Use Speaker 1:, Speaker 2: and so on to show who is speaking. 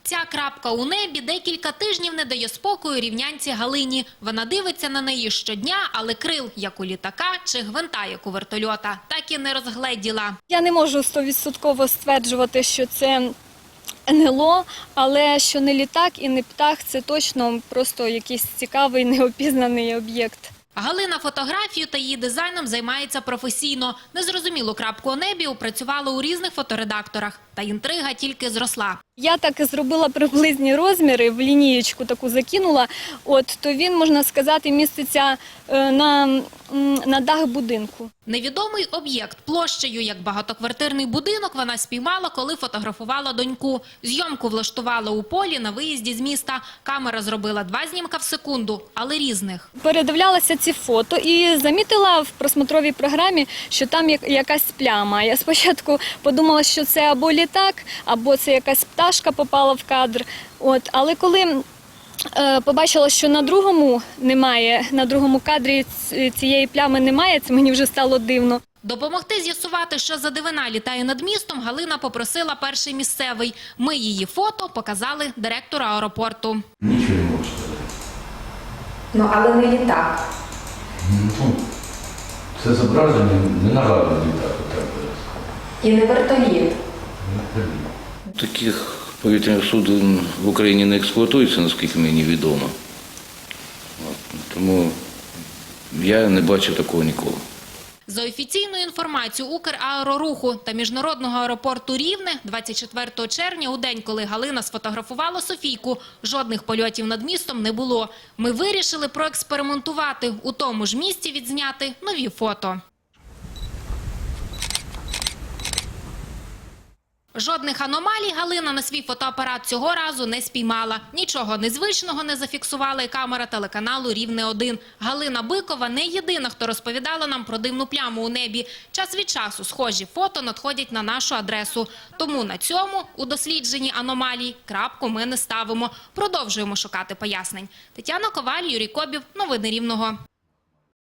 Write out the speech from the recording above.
Speaker 1: Ця крапка у небі декілька тижнів не дає спокою рівнянці Галині. Вона дивиться на неї щодня, але крил, як у літака, чи гвинта, як у вертольота, так і не розгледіла.
Speaker 2: Я не можу 100% стверджувати, що це НЛО, але що не літак і не птах – це точно просто якийсь цікавий, неопізнаний об'єкт.
Speaker 1: Галина фотографією та її дизайном займається професійно. Незрозумілу крапку у небі опрацювала у різних фоторедакторах. Та інтрига тільки зросла.
Speaker 2: Я так і зробила приблизні розміри, в лінієчку таку закинула, то він, можна сказати, міститься на дах будинку.
Speaker 1: Невідомий об'єкт площею, як багатоквартирний будинок, вона спіймала, коли фотографувала доньку. Зйомку влаштувала у полі на виїзді з міста. Камера зробила 2 знімка в секунду, але різних.
Speaker 2: Передивлялася ці фото і замітила в просмотровій програмі, що там якась пляма. Я спочатку подумала, що це або літак, або це якась пташка попала в кадр. Але коли побачила, що на другому кадрі цієї плями немає, це мені вже стало дивно.
Speaker 1: Допомогти з'ясувати, що за дивина літає над містом, Галина попросила перший місцевий. Ми її фото показали директору аеропорту.
Speaker 3: Нічого не можу сказати.
Speaker 4: Але не літак.
Speaker 3: Це зображення не нагадує літак.
Speaker 4: І не вертоліт.
Speaker 5: Таких повітряних суден в Україні не експлуатується, наскільки мені відомо. Тому я не бачив такого ніколи.
Speaker 1: За офіційною інформацією Украероруху та міжнародного аеропорту Рівне 24 червня, у день, коли Галина сфотографувала Софійку, жодних польотів над містом не було. Ми вирішили проекспериментувати, у тому ж місці відзняти нові фото. Жодних аномалій Галина на свій фотоапарат цього разу не спіймала. Нічого незвичного не зафіксувала і камера телеканалу «Рівне-1». Галина Бикова не єдина, хто розповідала нам про дивну пляму у небі. Час від часу схожі фото надходять на нашу адресу. Тому на цьому, у дослідженні аномалій, крапку ми не ставимо. Продовжуємо шукати пояснень. Тетяна Коваль, Юрій Кобів. Новини Рівного.